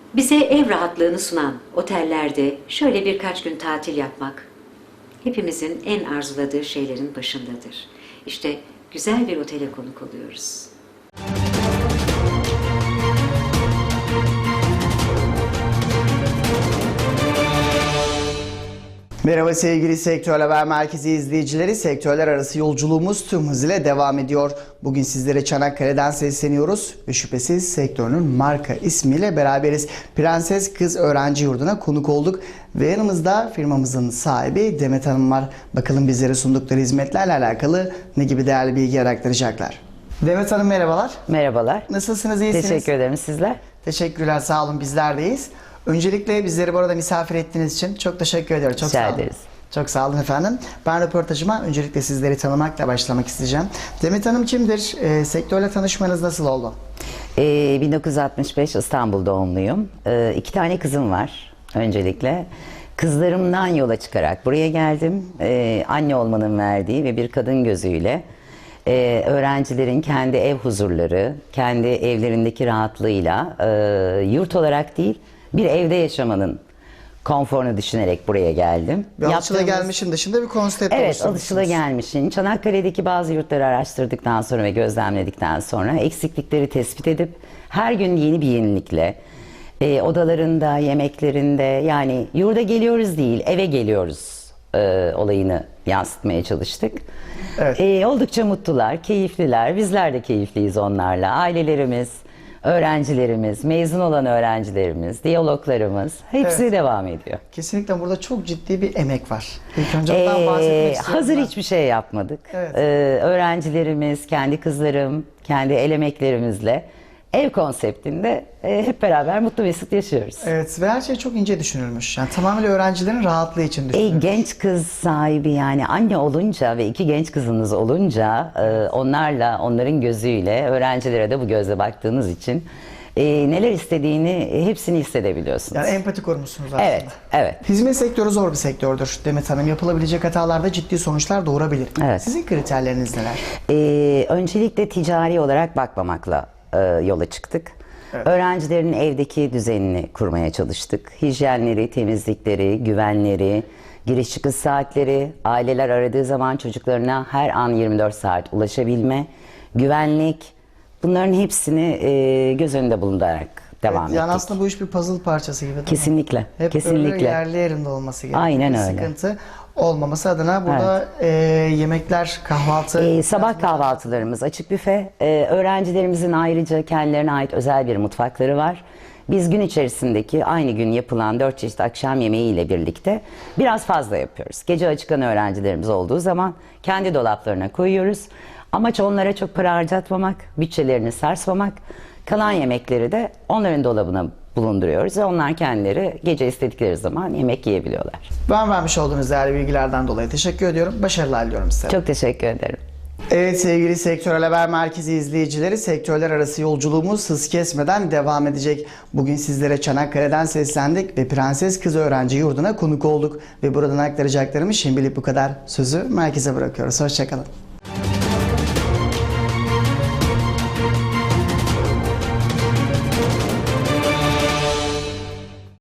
Bize ev rahatlığını sunan otellerde şöyle birkaç gün tatil yapmak hepimizin en arzuladığı şeylerin başındadır. İşte güzel bir otele konuk oluyoruz. Merhaba sevgili Sektör Haber Merkezi izleyicileri. Sektörler arası yolculuğumuz tüm hızıyla devam ediyor. Bugün sizlere Çanakkale'den sesleniyoruz ve şüphesiz sektörünün marka ismiyle beraberiz. Prenses Kız Öğrenci Yurdu'na konuk olduk ve yanımızda firmamızın sahibi Demet Hanım var. Bakalım bizlere sundukları hizmetlerle alakalı ne gibi değerli bilgi aktaracaklar. Demet Hanım merhabalar. Merhabalar. Nasılsınız, iyisiniz? Teşekkür ederim, sizler? Teşekkürler, sağ olun, bizler deyiz. Öncelikle bizleri bu arada misafir ettiğiniz için çok teşekkür ediyorum. Çok Rica sağ olun. ederiz. Çok sağ olun efendim. Ben röportajıma öncelikle sizleri tanımakla başlamak isteyeceğim. Demet Hanım kimdir? Sektörle tanışmanız nasıl oldu? 1965 İstanbul doğumluyum. 2 tane kızım var öncelikle. Kızlarımdan yola çıkarak buraya geldim. Anne olmanın verdiği ve bir kadın gözüyle öğrencilerin kendi ev huzurları, kendi evlerindeki rahatlığıyla yurt olarak değil bir evde yaşamanın konforunu düşünerek buraya geldim. Bir alışılagelmişin dışında bir konsept Evet, oluşturmuşsunuz. alışılagelmişin. Çanakkale'deki bazı yurtları araştırdıktan sonra ve gözlemledikten sonra eksiklikleri tespit edip her gün yeni bir yenilikle odalarında, yemeklerinde, yani yurda geliyoruz değil, eve geliyoruz olayını yansıtmaya çalıştık. Evet. Oldukça mutlular, keyifliler. Bizler de keyifliyiz onlarla. Ailelerimiz, öğrencilerimiz, mezun olan öğrencilerimiz, diyaloglarımız hepsi Evet. devam ediyor. Kesinlikle burada çok ciddi bir emek var. İlk önce ondan bahsetmek istiyorum. Hazır ben. hiçbir şey yapmadık. Evet. Öğrencilerimiz, kendi kızlarım, kendi el emeklerimizle ev konseptinde hep beraber mutlu mesut yaşıyoruz. Evet ve her şey çok ince düşünülmüş. Yani tamamıyla öğrencilerin rahatlığı için düşünülmüş. Genç kız sahibi, yani anne olunca ve 2 genç kızınız olunca onlarla, onların gözüyle öğrencilere de bu gözle baktığınız için neler istediğini hepsini hissedebiliyorsunuz. Yani empati kurmuşsunuz aslında. Evet, evet. Hizmet sektörü zor bir sektördür Demet Hanım. Yapılabilecek hatalarda ciddi sonuçlar doğurabilir. Evet. Sizin kriterleriniz neler? Öncelikle ticari olarak bakmamakla yola çıktık. Evet. Öğrencilerin evdeki düzenini kurmaya çalıştık. Hijyenleri, temizlikleri, güvenleri, giriş çıkış saatleri, aileler aradığı zaman çocuklarına her an 24 saat ulaşabilme, güvenlik, bunların hepsini göz önünde bulundurarak devam ettik. Yani aslında bu iş bir puzzle parçası gibi değil mi? Kesinlikle, Hep kesinlikle. böyle yerli yerinde olması gerekiyor. Aynen Bir öyle. sıkıntı olmaması adına burada yemekler, kahvaltı... Sabah kahvaltılarımız açık büfe. Öğrencilerimizin ayrıca kendilerine ait özel bir mutfakları var. Biz gün içerisindeki aynı gün yapılan 4 çeşit akşam yemeği ile birlikte biraz fazla yapıyoruz. Gece acıkan öğrencilerimiz olduğu zaman kendi dolaplarına koyuyoruz. Amaç onlara çok para harcatmamak, bütçelerini sarsmamak. Kalan yemekleri de onların dolabına bulunduruyoruz ve onlar kendileri gece istedikleri zaman yemek yiyebiliyorlar. Ben vermiş olduğunuz değerli bilgilerden dolayı teşekkür ediyorum. Başarılar diliyorum size. Çok teşekkür ederim. Evet sevgili Sektörel Haber Merkezi izleyicileri, sektörler arası yolculuğumuz hız kesmeden devam edecek. Bugün sizlere Çanakkale'den seslendik ve Prenses Kız Öğrenci Yurdu'na konuk olduk. Ve buradan aktaracaklarımız şimdilik bu kadar. Sözü merkeze bırakıyoruz. Hoşçakalın.